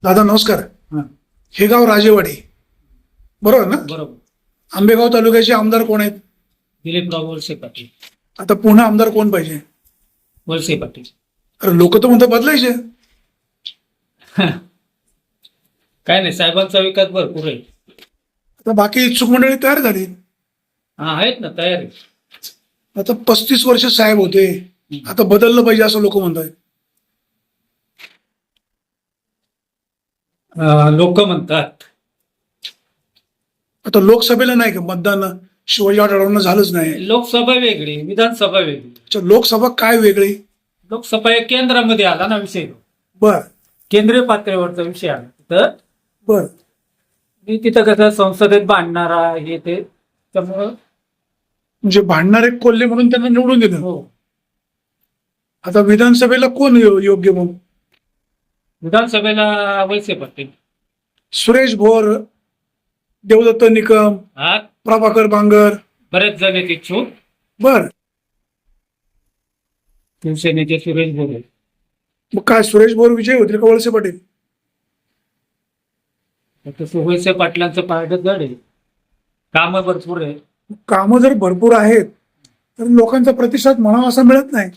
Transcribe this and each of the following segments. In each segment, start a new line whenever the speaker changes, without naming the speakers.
दादा नमस्कार.
हा,
हे गाव राजेवाडी बरोबर ना?
बरोबर.
आंबेगाव तालुक्याचे आमदार कोण आहेत?
दिलीपराव वळसे पाटील.
आता पुन्हा आमदार कोण पाहिजे?
वळसे पाटील.
अरे लोक तर म्हणतात बदलायचे.
काय नाही, साहेबांचा विकास भरपूर आहे.
आता बाकी इच्छुक मंडळी तयार झाली.
हा, आहेत ना, तयार आहे.
आता 35 वर्ष साहेब होते, आता बदललं पाहिजे असं लोक म्हणतात.
लोक म्हणतात.
आता लोकसभेला नाही का मतदान शिवाजी आढळरावांना झालंच नाही.
लोकसभा वेगळी, विधानसभा वेगळी.
अच्छा, लोकसभा काय वेगळी?
लोकसभा एक केंद्रामध्ये आला ना विषय,
बर
केंद्रीय पातळीवरचा विषय आला. तर
बर
मी तिथं कसं संसदेत भांडणारा हे ते, त्यामुळं
म्हणजे भांडणारे कोल्हे म्हणून त्यांना निवडून दिलं.
हो,
आता विधानसभेला कोण योग्य म्हणून?
विधानसभेला वळसे पाटील.
सुरेश भोर, देवदत्त निकम,
हा,
प्रभाकर बांगर.
बरेच जण आहेत इच्छुक.
बर
शिवसेनेचे सुरेश भोरे.
मग काय सुरेश भोर विजय होतील का वळसे पाटील?
वळसे पाटलांचं पारड जड आहे, कामं भरपूर आहे.
कामं जर भरपूर आहेत तर लोकांचा प्रतिसाद म्हणावा असा मिळत नाही.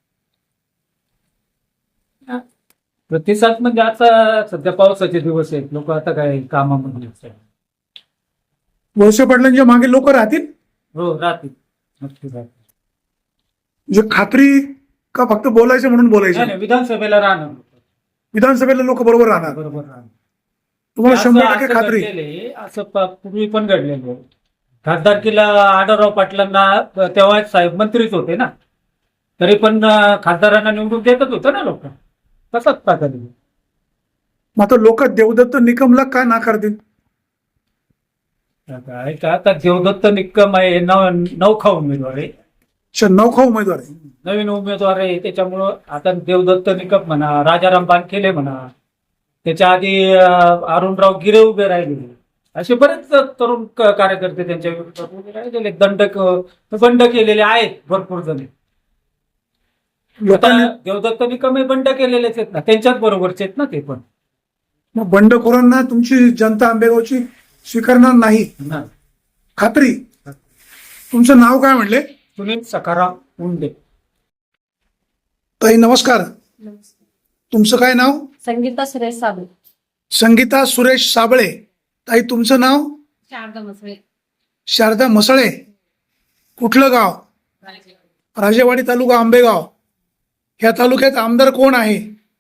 प्रतिसाद म्हणजे आता सध्या पावसाचे दिवस आहेत, लोक आता काय कामामध्ये आहेत.
वळसे पाटलांच्या मागे लोक राहतील
हो, राहतील, नक्की राहतील.
म्हणजे खात्री का फक्त बोलायचं म्हणून
नाही,
बोलायचं?
नाही, विधानसभेला राहणार.
विधानसभेला लोक बरोबर राहणार.
बरोबर राहणार.
तुम्हाला
असं-
100%
असं
खात्री?
घडलेलं आहे, असं पूर्वी पण घडलेलं आहे. खासदारकीला आढळराव पाटलांना तेव्हा साहेब मंत्रीच होते ना, तरी पण खासदारांना निवडून देतच होतं ना लोक. तसाच प्रकार आहे.
मग आता लोक देवदत्त निकमला का नाकारतील?
काय का आता देवदत्त निकम आहे, नवखा उमेदवार आहे,
अच्छा, नौखा उमेदवार आहे.
नवीन उमेदवार आहे. त्याच्यामुळं आता देवदत्त निकम म्हणा, राजाराम बानखेले म्हणा, त्याच्या आधी अरुणराव गिरे उभे राहिले, असे बरेच तरुण कार्यकर्ते त्यांच्या विरोधात उभे राहिलेले, बंड केलेले आहेत भरपूर जण.
लोकांनी
आता देवदत्त निकम हे बंड केलेलेच आहेत ना, त्यांच्याच बरोबरचे आहेत ना ते पण.
मग बंडखोरांना तुमची जनता आंबेगावची स्वीकारणार नाही,
ना.
खात्री? तुमचं नाव काय म्हटले?
सुनील सखाराम उंडे.
ताई नमस्कार. तुमचं काय नाव?
संगीता सुरेश साबळे.
संगीता सुरेश साबळे. ताई तुमचं नाव?
शारदा मसळे.
शारदा मसळे. कुठलं गाव? राजेवाडी तालुका आंबेगाव. ह्या तालुक्यात आमदार कोण आहे?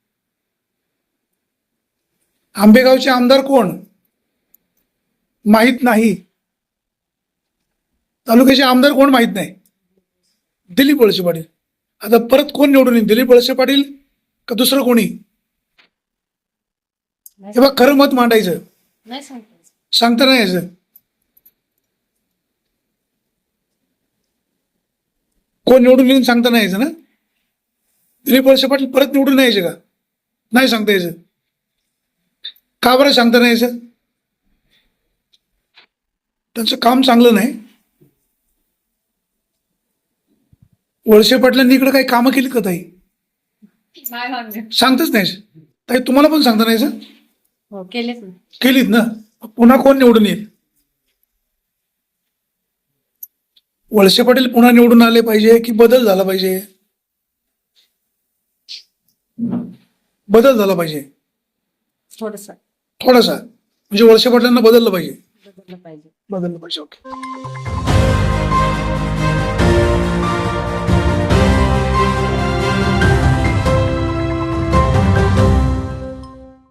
आंबेगावचे आमदार कोण? माहित नाही. तालुक्याचे आमदार कोण माहित नाही? दिलीप वळसे पाटील. आता परत कोण निवडून येईल? दिलीप वळसे पाटील का दुसरं कोणी? हे बघ, खरं मत मांडायचं,
नाही सांगता.
सांगता नाही यायचं. कोण निवडून येईल सांगता नाही यायचं ना? दिलीप वळसे पाटील परत निवडून नाही यायचे का? नाही सांगता यायचं. का बरं सांगता नाही यायचं? त्यांचं काम चांगलं नाही. वळसे पाटलांनी इकडे काही कामं केली का ताई?
नाही म्हणले.
सांगतच नाही ताई. तुम्हाला पण सांगता नाही यायचं?
हो, केलेच ना.
केलीत ना. पुन्हा कोण निवडून येईल? वळसे पाटील पुन्हा निवडून आले पाहिजे की बदल झाला पाहिजे? बदल झाला पाहिजे
थोडस
थोडासा. म्हणजे वळसे पाटलांना बदललं पाहिजे.
बदललं पाहिजे.
बदललं पाहिजे. ओके.